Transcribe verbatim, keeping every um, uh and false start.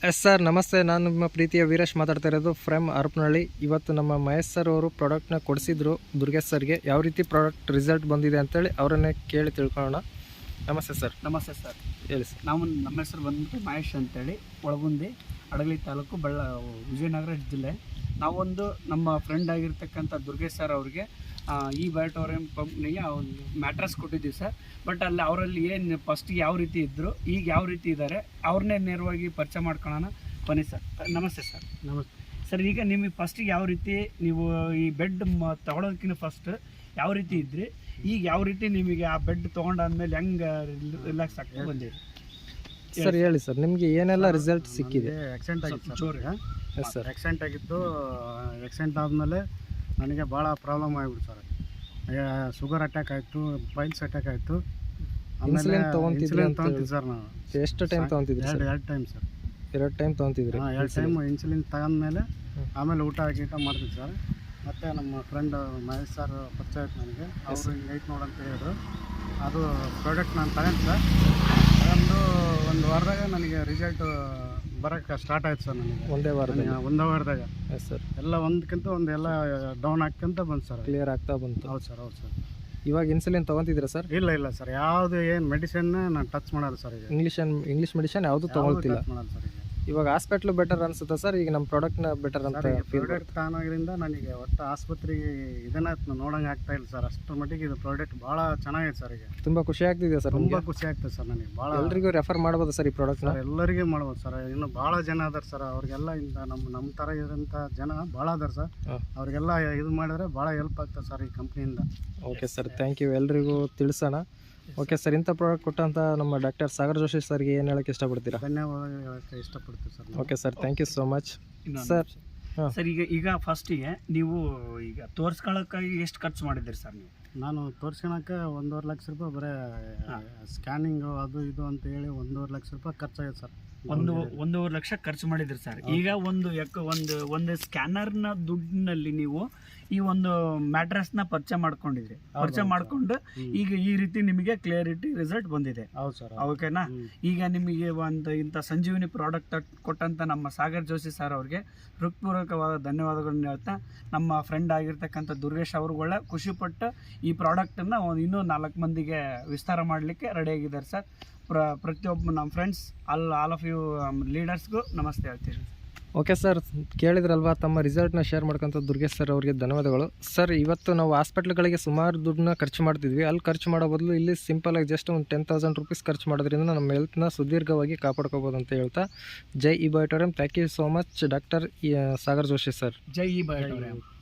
Yes sir, ನಮಸ್ತೆ. ನಾನು ನಿಮ್ಮ ಪ್ರೀತಿಯ ವೀರೇಶ್ ಮಾತಾಡ್ತಾ ಇರೋದು ಫ್ರಮ್ ಹರಪನಹಳ್ಳಿ. ಇವತ್ತು ನಮ್ಮ ಮಹೇಶ್ ಸರ್ ಅವರು ಪ್ರಾಡಕ್ಟ್ನ ಕೊಡಿಸಿದ್ರು ದುರ್ಗೇಶ್ ಸರ್ಗೆ. ಯಾವ ರೀತಿ ಪ್ರಾಡಕ್ಟ್ ರಿಸಲ್ಟ್ ಬಂದಿದೆ ಅಂತೇಳಿ ಅವರನ್ನೇ ಕೇಳಿ ತಿಳ್ಕೊಳ್ಳೋಣ. ನಮಸ್ತೆ ಸರ್. ನಮಸ್ತೆ ಸರ್, ಹೇಳಿ ಸರ್. ನಾವು ನಮ್ಮ ಹೆಸರು ಬಂದ್ಬಿಟ್ಟು ಮಹೇಶ್ ಅಂತೇಳಿ, ಒಳಗುಂದಿ, ಹಡಗಲಿ ತಾಲೂಕು, ಬಳ್ಳ ವಿಜಯನಗರ ಜಿಲ್ಲೆ. ನಾವೊಂದು ನಮ್ಮ ಫ್ರೆಂಡ್ ಆಗಿರ್ತಕ್ಕಂಥ ದುರ್ಗೇಶ್ ಸರ್ ಅವ್ರಿಗೆ ಈ ಬಯೋಟೋರಿಯಂ ಕಂಪ್ನಿಗೆ ಒಂದು ಮ್ಯಾಟ್ರಸ್ ಕೊಟ್ಟಿದ್ದೀವಿ ಸರ್. ಬಟ್ ಅಲ್ಲಿ ಅವರಲ್ಲಿ ಏನು ಫಸ್ಟಿಗೆ ಯಾವ ರೀತಿ ಇದ್ದರು, ಈಗ ಯಾವ ರೀತಿ ಇದ್ದಾರೆ, ಅವ್ರನ್ನೇ ನೇರವಾಗಿ ಪರಿಚಯ ಮಾಡ್ಕೊಳ್ಳೋಣ ಬನ್ನಿ ಸರ್. ನಮಸ್ತೆ ಸರ್. ನಮಸ್ತೆ ಸರ್, ಈಗ ನಿಮಗೆ ಫಸ್ಟಿಗೆ ಯಾವ ರೀತಿ ನೀವು ಈ ಬೆಡ್ ಮ ತೊಗೊಳೋದಕ್ಕಿಂತ ಫಸ್ಟ್ ಯಾವ ರೀತಿ ಇದ್ರಿ, ಈಗ ಯಾವ ರೀತಿ ನಿಮಗೆ ಆ ಬೆಡ್ ತೊಗೊಂಡಾದ್ಮೇಲೆ ಹೆಂಗೆ ರಿಲ್ಯಾಕ್ಸ್ ಆಗ್ತಾ ಬಂದಿರಿ ಸರ್? ಹೇಳಿ ಸರ್, ನಿಮಗೆ ಏನೆಲ್ಲ ರಿಸಲ್ಟ್ ಸಿಕ್ಕಿದೆ? ಆಕ್ಸಿಡೆಂಟ್ ಆಗಿತ್ತು ಜೋರು. Yes sir. ಆಕ್ಸಿಡೆಂಟ್ ಆಗಿತ್ತು. ಆಕ್ಸಿಡೆಂಟ್ ಆದಮೇಲೆ ನನಗೆ ಭಾಳ ಪ್ರಾಬ್ಲಮ್ ಆಗಿಬಿಡ್ತು ಸರ್. ಶುಗರ್ ಅಟ್ಯಾಕ್ ಆಯಿತು, ಪೈಲ್ಸ್ ಅಟ್ಯಾಕ್ ಆಯಿತು. ಇನ್ಸುಲಿನ್ ತೊಗೊಂತಿದ್ರಿ ಅಂತ ತೊಗೊಂತಿದ್ದೆ ಸರ್ ನಾನು. ಎಷ್ಟು ಟೈಮ್ ತೊಗೊಂತಿದ್ರಿ ಸರ್? ಎರಡು ಎರಡು ಟೈಮ್ ಸರ್. ಎರಡು ಟೈಮ್ ತೊಗೊಂತಿದ್ರಿ? ಹಾಂ, ಎರಡು ಟೈಮ್ ಇನ್ಸುಲಿನ್ ತಗೊಂಡ್ಮೇಲೆ ಆಮೇಲೆ ಊಟ ಗೀಟ ಮಾಡ್ತಿದ್ದೆ ಸರ್. ಮತ್ತು ನಮ್ಮ ಫ್ರೆಂಡ್ ಮಹೇಶ್ ಸರ್ ಪರಿಚಯ ಆಯ್ತು ನನಗೆ. ಅವರು ಹಿಂಗೈತೆ ನೋಡಂತ ಹೇಳಿದ್ರು. ಅದು ಪ್ರಾಡಕ್ಟ್ ನಾನು ತಗೊಂಡು ಸರ್, ತಗೊಂಡು ಒಂದು ವಾರದಾಗ ನನಗೆ ರಿಸಲ್ಟ್ ಬರೋಕ್ಕೆ ಸ್ಟಾರ್ಟ್ ಆಯ್ತು ಸರ್. ನನಗೆ ಒಂದೇ ವಾರದಾಗ? ಒಂದೇ ವಾರದಾಗ. Yes sir. ಎಲ್ಲ ಒಂದಕ್ಕಿಂತ ಒಂದು ಎಲ್ಲ ಡೌನ್ ಆಗ್ಕೊಂತ ಬಂತು ಸರ್. ಕ್ಲಿಯರ್ ಆಗ್ತಾ ಬಂತು? ಹೌದು ಸರ್, ಹೌದು ಸರ್. ಇವಾಗ ಇನ್ಸುಲಿನ್ ತೊಗೊಂತಿದ್ದೀರಾ ಸರ್? ಇಲ್ಲ ಇಲ್ಲ ಸರ್, ಯಾವುದು ಏನು ಮೆಡಿಸಿನ್ ನಾನು ಟಚ್ ಮಾಡಲ್ಲ ಸರ್. ಈಗ ಇಂಗ್ಲೀಷ್ ಇಂಗ್ಲೀಷ್ ಮೆಡಿಸಿನ್ ಯಾವುದು ತೊಗೊಳ್ತಿಲ್ಲ? ಟಚ್ ಮಾಡಲ್ಲ ಸರ್. ಈಗ ಇವಾಗ ಹಾಸ್ಪಿಟ್ಲು ಬೆಟರ್ ಅನ್ಸುತ್ತಾ ಸರ್? ಈಗ ನಮ್ಮ ಪ್ರಾಡಕ್ಟ್ನ ಬೆಟರ್ ಅಂತ ಫೀಲ್? ಪ್ರಾಡಕ್ಟ್ ತಾನಾಗಿರಿಂದ ನನಗೆ ಒಟ್ಟು ಆಸ್ಪತ್ರೆಗೆ ಇದನ್ನ ನೋಡಂಗೆ ಆಗ್ತಾ ಇಲ್ಲ ಸರ್. ಅಷ್ಟರ ಮಟ್ಟಿಗೆ ಇದು ಪ್ರಾಡಕ್ಟ್ ಭಾಳ ಚೆನ್ನಾಗಿದೆ ಸರ್. ಈಗ ತುಂಬ ಖುಷಿ ಆಗ್ತಿದೆ ಸರ್. ತುಂಬ ಖುಷಿ ಆಗ್ತದೆ ಸರ್ ನನಗೆ. ಭಾಳ ಎಲ್ರಿಗೂ ರೆಫರ್ ಮಾಡ್ಬೋದು ಸರ್ ಈ ಪ್ರಾಡಕ್ಟ್ನ? ಎಲ್ಲರಿಗೂ ಮಾಡ್ಬೋದು ಸರ್. ಇನ್ನು ಭಾಳ ಜನ ಅದಾರ ಸರ್. ಅವ್ರಿಗೆಲ್ಲ ಇಂಥ ನಮ್ಮ ನಮ್ಮ ಥರ ಇರೋಂಥ ಜನ ಭಾಳ ಅದಾರ ಸರ್. ಅವ್ರಿಗೆಲ್ಲ ಇದು ಮಾಡಿದ್ರೆ ಭಾಳ ಹೆಲ್ಪ್ ಆಗ್ತದೆ ಸರ್ ಈ ಕಂಪ್ನಿಯಿಂದ. Okay sir, thank you. ಎಲ್ರಿಗೂ ತಿಳಿಸೋಣ. ಓಕೆ ಸರ್, ಇಂಥ ಪ್ರಾಡಕ್ಟ್ ಕೊಟ್ಟಂಥ ನಮ್ಮ ಡಾಕ್ಟರ್ ಸಾಗರ್ ಜೋಶಿ ಸರ್ಗೆ ಏನು ಹೇಳೋಕ್ಕೆ ಇಷ್ಟಪಡ್ತೀರಾ? ಧನ್ಯವಾದ ಹೇಳೋಕ್ಕೆ ಇಷ್ಟಪಡ್ತೀವಿ sir. Okay sir, thank you so much sir. ಹಾಂ ಸರ್, ಈಗ ಈಗ ಫಸ್ಟಿಗೆ ನೀವು ಈಗ ತೋರಿಸ್ಕೊಳ್ಳೋಕ್ಕಾಗಿ ಎಷ್ಟು ಖರ್ಚು ಮಾಡಿದ್ದೀರಿ ಸರ್ ನೀವು? ನಾನು ತೋರ್ಸ್ಕೊಳಕ್ಕೆ ಒಂದೂವರೆ ಲಕ್ಷ ರೂಪಾಯಿ ಬರೀ ಸ್ಕ್ಯಾನಿಂಗು ಅದು ಇದು ಅಂತ ಹೇಳಿ ಒಂದೂವರೆ ಲಕ್ಷ ರೂಪಾಯಿ ಖರ್ಚಾಗಿದೆ ಸರ್. ಒಂದು ಒಂದೂವರೆ ಲಕ್ಷ ಖರ್ಚು ಮಾಡಿದ್ರಿ ಸರ್. ಈಗ ಒಂದು ಯಾಕ ಒಂದು ಒಂದು ಸ್ಕ್ಯಾನರ್ನ ದುಡ್ಡಿನಲ್ಲಿ ನೀವು ಈ ಒಂದು ಮ್ಯಾಟ್ರಸ್ನ ಪರಿಚಯ ಮಾಡ್ಕೊಂಡಿದ್ರಿ. ಪರಿಚಯ ಮಾಡ್ಕೊಂಡು ಈಗ ಈ ರೀತಿ ನಿಮಗೆ ಕ್ಲಿಯರಿಟಿ ರಿಸಲ್ಟ್ ಬಂದಿದೆ. ಹೌದು ಸರ್. ಓಕೆನಾ? ಈಗ ನಿಮಗೆ ಒಂದು ಇಂಥ ಸಂಜೀವಿನಿ ಪ್ರಾಡಕ್ಟ್ ಕೊಟ್ಟಂಥ ನಮ್ಮ ಸಾಗರ್ ಜೋಶಿ ಸರ್ ಅವ್ರಿಗೆ ಹೃತ್ಪೂರ್ವಕವಾದ ಧನ್ಯವಾದಗಳನ್ನ ಹೇಳ್ತಾ, ನಮ್ಮ ಫ್ರೆಂಡ್ ಆಗಿರ್ತಕ್ಕಂಥ ದುರ್ಗೇಶ್ ಅವ್ರುಗಳ ಖುಷಿಪಟ್ಟು ಈ ಪ್ರಾಡಕ್ಟನ್ನು ಇನ್ನೂ ನಾಲ್ಕು ಮಂದಿಗೆ ವಿಸ್ತಾರ ಮಾಡಲಿಕ್ಕೆ ರೆಡಿಯಾಗಿದ್ದಾರೆ ಸರ್. ಪ್ರ ಪ್ರತಿಯೊಬ್ಬ ನಮ್ಮ friends all all of you ಲೀಡರ್ಸ್ಗೂ ನಮಸ್ತೆ ಹೇಳ್ತೀನಿ. ಓಕೆ ಸರ್, ಕೇಳಿದ್ರಲ್ವಾ ತಮ್ಮ ರಿಸಲ್ಟ್ನ ಶೇರ್ ಮಾಡ್ಕೊಂತ ದುರ್ಗೇಶ್ ಸರ್ ಅವರಿಗೆ ಧನ್ಯವಾದಗಳು ಸರ್. ಇವತ್ತು ನಾವು ಹಾಸ್ಪಿಟ್ಲ್ಗಳಿಗೆ ಸುಮಾರು ದುಡ್ಡನ್ನ ಖರ್ಚು ಮಾಡ್ತಿದ್ವಿ. ಅಲ್ಲಿ ಖರ್ಚು ಮಾಡೋ ಬದಲು ಇಲ್ಲಿ ಸಿಂಪಲಾಗಿ ಜಸ್ಟ್ ಒಂದು ಟೆನ್ ತೌಸಂಡ್ ರುಪೀಸ್ ಖರ್ಚು ಮಾಡೋದ್ರಿಂದ ನಮ್ಮ ಹೆಲ್ತ್ನ ಸುದೀರ್ಘವಾಗಿ ಕಾಪಾಡ್ಕೋಬೋದು ಅಂತ ಹೇಳ್ತಾ, ಜೈ ಈ ಬಯೋಟೋರಿಯಂ. Thank you so much doctor Sagar Joshi sir. ಜೈ ಈ ಬಯೋಟೋರಿಯಂ.